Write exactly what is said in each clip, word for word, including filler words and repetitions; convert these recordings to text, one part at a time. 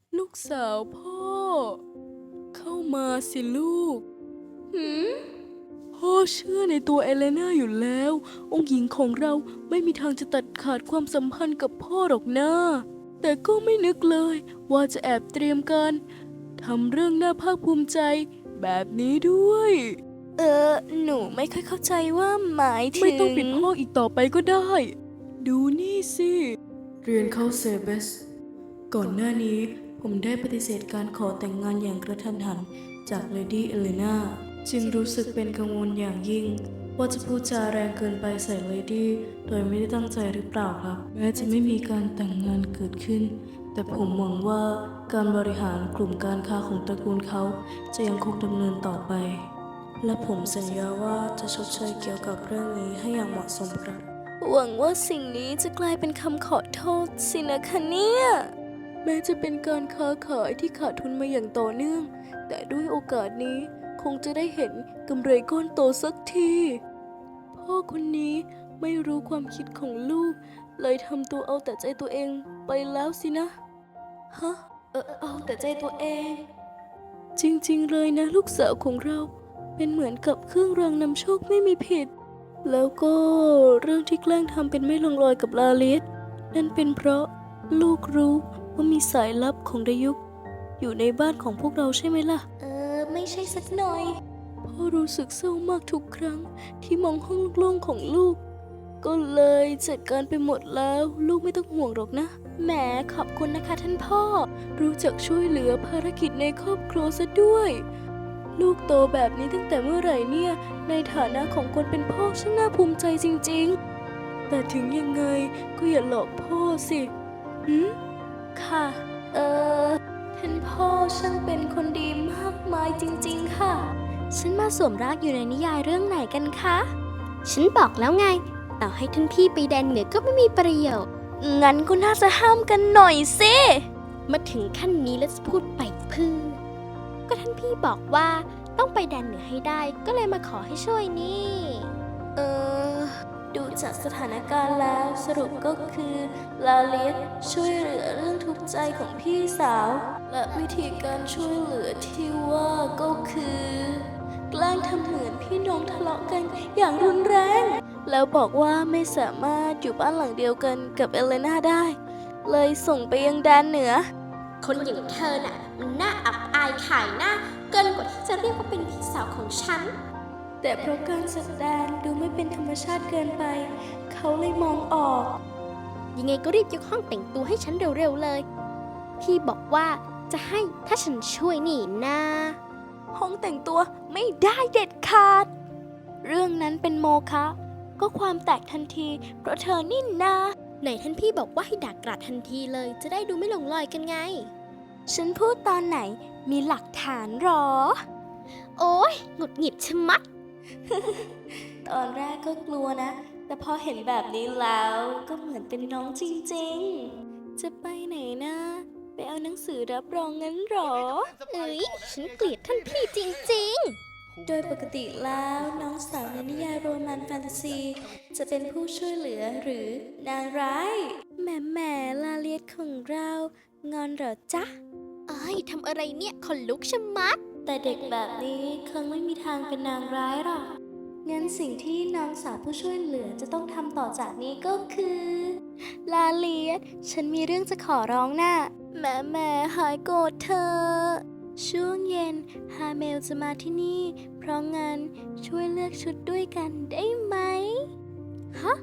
ลูกสาวพ่อเข้ามาสิลูกหืมพ่อเชื่อในตัวเอเลนาอยู่แล้วองค์หญิงของเราไม่มีทางจะตัดขาดความสัมพันธ์กับพ่อหรอกนะแต่ก็ไม่นึกเลยว่าจะแอบเตรียมการทำเรื่องน่าภาคภูมิใจแบบนี้ด้วยเออหนูไม่ค่อยเข้าใจว่าหมายถึงไม่ต้องปิดพ่ออีกต่อไปก็ได้ ดูนี่สิเรียนเข้าเซเบสก่อนหน้านี้ผมได้ปฏิเสธการขอแต่งงานอย่างกระทันหันจากเลดี้เอเลนาจึงรู้สึกเป็นกังวลอย่างยิ่งว่าจะพูดจาแรงเกินไปใส่เลดี้โดยไม่ได้ตั้งใจหรือเปล่าครับแม้จะไม่มีการแต่งงานเกิดขึ้นแต่ผมหวังว่าการบริหารกลุ่มการค้าของตระกูลเขาจะยังคงดำเนินต่อไปและผมสัญญาว่าจะชดเชยเกี่ยวกับเรื่องนี้ให้อย่างเหมาะสมครับหวังว่าสิ่งนี้จะกลายเป็นคำขอโทษสินะคะเนี่ยแม้จะเป็นการค้าขายที่ขาดทุนมาอย่างต่อเนื่องแต่ด้วยโอกาสนี้คงจะได้เห็นกำไรก้อนโตสักทีพ่อคนนี้ไม่รู้ความคิดของลูกเลยทำตัวเอาแต่ใจตัวเองไปแล้วสินะฮะเออเอาแต่ใจตัวเองจริงๆเลยนะลูกสาวของเราเป็นเหมือนกับเครื่องรางนำโชคไม่มีผิดแล้วก็เรื่องที่แกล้งทำเป็นไม่ลงรอยกับลาลิสนั่นเป็นเพราะลูกรู้ว่ามีสายลับของดายุกอยู่ในบ้านของพวกเราใช่ไหมล่ะเออไม่ใช่สักหน่อยพ่อรู้สึกเศร้ามากทุกครั้งที่มองห้องโล่งๆของลูกก็เลยจัดการไปหมดแล้วลูกไม่ต้องห่วงหรอกนะแหมขอบคุณนะคะท่านพ่อรู้จักช่วยเหลือภารกิจในครอบครัวซะด้วยลูกโตแบบนี้ตั้งแต่เมื่อไหร่เนี่ยในฐานะของคนเป็นพ่อช่างน่าภูมิใจจริงๆแต่ถึงยังไงก็อย่าหลอกพ่อสิหืมค่ะเออท่านพ่อช่างเป็นคนดีมากมายจริงๆค่ะฉันมาสวมรากอยู่ในนิยายเรื่องไหนกันคะฉันบอกแล้วไงต่อให้ท่านพี่ไปแดนเหนือก็ไม่มีประโยชน์งั้นก็น่าจะห้ามกันหน่อยสิมาถึงขั้นนี้แล้วจะพูดไปเพื่อก็ท่านพี่บอกว่าต้องไปแดนเหนือให้ได้ก็เลยมาขอให้ช่วยนี่เออดูจากสถานการณ์แล้วสรุปก็คือลาเลียสช่วยเหลือเรื่องทุกข์ใจของพี่สาวและวิธีการช่วยเหลือที่ว่าก็คือแกล้งทำเหมือนพี่น้องทะเลาะกันอย่างรุนแรงแล้วบอกว่าไม่สามารถอยู่บ้านหลังเดียวกันกับเอเลนาได้เลยส่งไปยังแดนเหนือคนอย่างเธอน่ะมันน่าอับอายขายหน้าเกินกว่าที่จะเรียกว่าเป็นพี่สาวของฉันแต่เพราะการแสดงดูไม่เป็นธรรมชาติเกินไปเขาเลยมองออกยังไงก็รีบยกห้องแต่งตัวให้ฉันเร็วๆเลยพี่บอกว่าจะให้ถ้าฉันช่วยนี่นะห้องแต่งตัวไม่ได้เด็ดขาดเรื่องนั้นเป็นโมฆะก็ความแตกทันทีเพราะเธอนี่นาไหนท่านพี่บอกว่าให้ด่ากราดทันทีเลยจะได้ดูไม่หลงลอยกันไงฉันพูดตอนไหนมีหลักฐานหรอโอ๊ยหงุดหงิดชะมัดตอนแรกก็กลัวนะแต่พอเห็นแบบนี้แล้วก็เหมือนเป็นน้องจริงๆจะไปไหนนะไปเอาหนังสือรับรองงั้นหรอเอ้ยฉันเกลียดท่านพี่จริงๆโดยปกติแล้วน้องสาวในนิยายโรแมนต์แฟนตาซีจะเป็นผู้ช่วยเหลือหรือนางร้ายแหมแหมลาเลียดของเรางอนเหรอจ๊ะเอ้ยทำอะไรเนี่ยขนลุกชะมัดแต่เด็กแบบนี้คงไม่มีทางเป็นนางร้ายหรอกงั้นสิ่งที่น้องสาวผู้ช่วยเหลือจะต้องทำต่อจากนี้ก็คือลาเลียดฉันมีเรื่องจะขอร้องน่ะแม่แม่หายโกรธเธอช่วงเย็นฮาเมลจะมาที่นี่เพราะงั้นช่วยเลือกชุดด้วยกันได้ไหมฮะ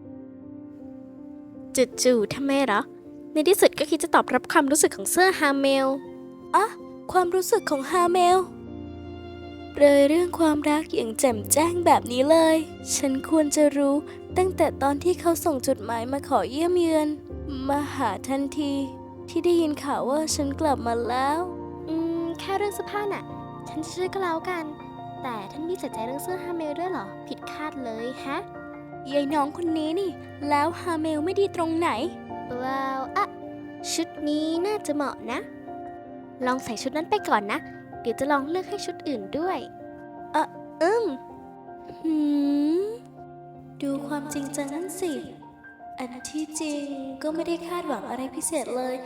จู่ๆทำไมเหรอในที่สุดก็คิดจะตอบรับความรู้สึกของเสื้อฮาเมลอะความรู้สึกของฮาเมลเรยเรื่องความรักอย่างแจ่มแจ้งแบบนี้เลยฉันควรจะรู้ตั้งแต่ตอนที่เขาส่งจดหมายมาขอเยี่ยมเยือนมาหาทันทีที่ได้ยินข่าวว่าฉันกลับมาแล้วอืมแค่เรื่องเสื้อผ้าน่ะฉันเชื่อก็แล้วกันแต่ท่านพี่ใส่ใจเรื่องเสื้อฮาเมลด้วยเหรอผิดคาดเลยฮะยายน้องคนนี้นี่แล้วฮาเมลไม่ดีตรงไหนว้าวอะชุดนี้น่าจะเหมาะนะลองใส่ชุดนั้นไปก่อนนะเดี๋ยวจะลองเลือกให้ชุดอื่นด้วยอ่ะอืมหืมดูความจริงจังนั่นสิอันที่จริงก็ไม่ได้คาดหวังอะไรพิเศษเลยแ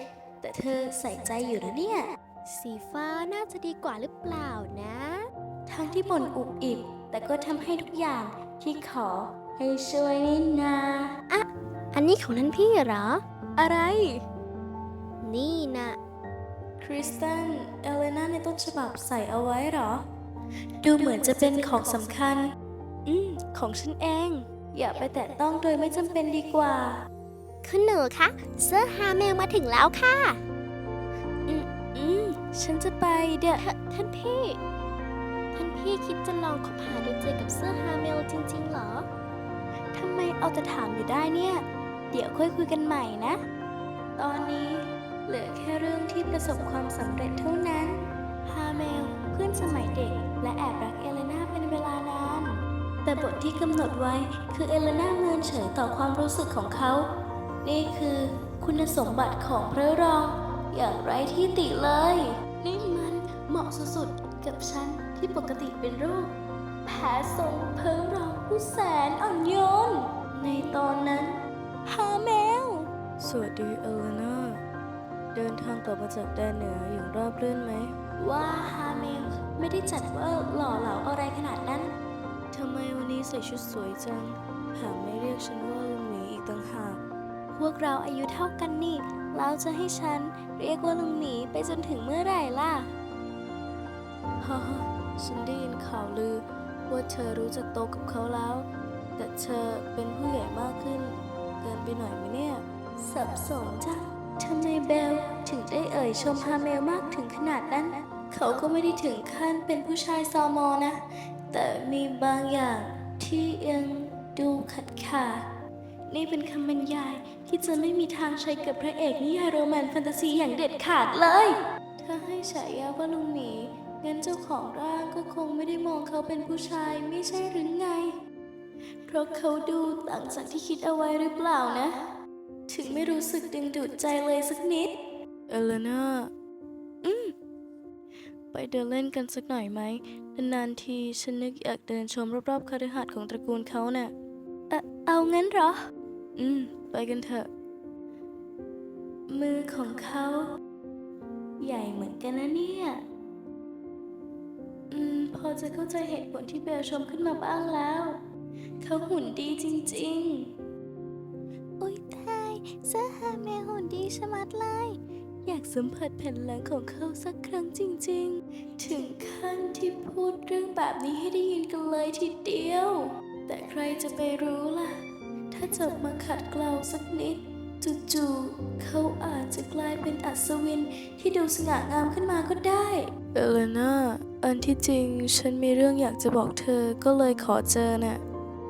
แต่เธอใส่ใจอยู่นะเนี่ย สีฟ้าน่าจะดีกว่าหรือเปล่านะ ทั้งที่บ่นอุบอิบแต่ก็ทำให้ทุกอย่างที่ขอให้ช่วยนี่นาอะอันนี้ของท่านพี่เหรออะไรนี่นะคริสตันเอเลนาในต้นฉบับใส่เอาไว้เหรอ ดูเหมือนจะเป็นของสำคัญ อืม ของฉันเอง อย่าไปแตะต้องโดยไม่จำเป็นดีกว่าคุณหนูคะเสื้อฮาเมลมาถึงแล้วค่ะอืม อืม ฉันจะไปเดี๋ยวทท่านพี่ ท่านพี่คิดจะลองคบหาดูใจกับเสื้อฮาเมลจริงๆเหรอทำไมเอาแต่ถามอยู่ได้เนี่ย เดี๋ยวค่อยคุยกันใหม่นะ ตอนนี้เหลือแค่เรื่องที่ประสบความสำเร็จเท่านั้น ฮาเมลเพื่อนสมัยเด็กและแอบรักเอเลนาเป็นเวลานาน แต่บทที่กำหนดไว้คือเอเลนาเมินเฉยต่อความรู้สึกของเขา นี่คือคุณสมบัติของพระรอง อย่างไร้ที่ติเลย นี่มันเหมาะสุดๆกับฉันที่ปกติเป็นโรคแพ้ทรงเพ้อรองผู้แสนอ่อนโยน ในตอนนั้น ฮาเมล สวัสดีเอเลนาเดินทางกลับมาจากแดนเหนืออย่างราบรื่นไหม ว่าฮาเมลไม่ได้จัดว่าหล่อเหลาอะไรขนาดนั้น ทำไมวันนี้ใส่ชุดสวยจังแถมไม่เรียกฉันว่าลุงหมีอีกต่างหาก พวกเราอายุเท่ากันนี่ แล้วจะให้ฉันเรียกว่าลุงหมีไปจนถึงเมื่อไหร่ล่ะ ฮ่าฮ่าฉันได้ยินข่าวลือว่าเธอรู้จักโตกับเขาแล้ว แต่เธอเป็นผู้ใหญ่มากขึ้น เกินไปหน่อยไหมเนี่ย สับสนจ้ะทำไมเบลถึงได้เอ่ยชมฮาเมลมากถึงขนาดนั้น เขาก็ไม่ได้ถึงขั้นเป็นผู้ชายซอมอนะ แต่มีบางอย่างที่ยังดูขัดขาด นี่เป็นคำบรรยายที่จะไม่มีทางใช้กับพระเอกนิยายโรแมนต์แฟนตาซีอย่างเด็ดขาดเลย ถ้าให้ฉายาว่าลุงหมี งั้นเจ้าของร่างก็คงไม่ได้มองเขาเป็นผู้ชายไม่ใช่หรือไง เพราะเขาดูต่างจากที่คิดเอาไว้หรือเปล่านะ ถึงไม่รู้สึกดึงดูดใจเลยสักนิด เอเลนาอืม ไปเดินเล่นกันสักหน่อยไหม นานๆทีฉันนึกอยากเดินชมรอบๆคฤหาสน์ของตระกูลเขาน่ะ เอ่อเอางั้นเหรอ อืม ไปกันเถอะ มือของเขา ใหญ่เหมือนกันนะเนี่ย อืม พอจะเข้าใจเหตุผลที่เบลชมขึ้นมาบ้างแล้ว เขาหุ่นดีจริงๆ อุ๊ยตายเสื้อฮาเมลหุ่นดีชะมัดเลย อยากสัมผัสแผ่นหลังของเขาสักครั้งจริงๆ ถึงขั้นที่พูดเรื่องแบบนี้ให้ได้ยินกันเลยทีเดียว แต่ใครจะไปรู้ล่ะ ถ้าจับมาขัดเกลาสักนิด จู่ๆเขาอาจจะกลายเป็นอัศวินที่ดูสง่างามขึ้นมาก็ได้ เอเลนาอันที่จริงฉันมีเรื่องอยากจะบอกเธอก็เลยขอเจอน่ะ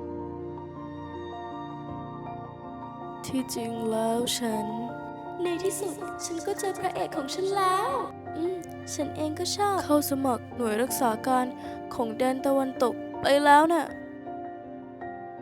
ที่จริงแล้วฉัน ในที่สุดฉันก็เจอพระเอกของฉันแล้ว อืม ฉันเองก็ชอบ เข้าสมัครหน่วยรักษาการของแดนตะวันตกไปแล้วน่ะ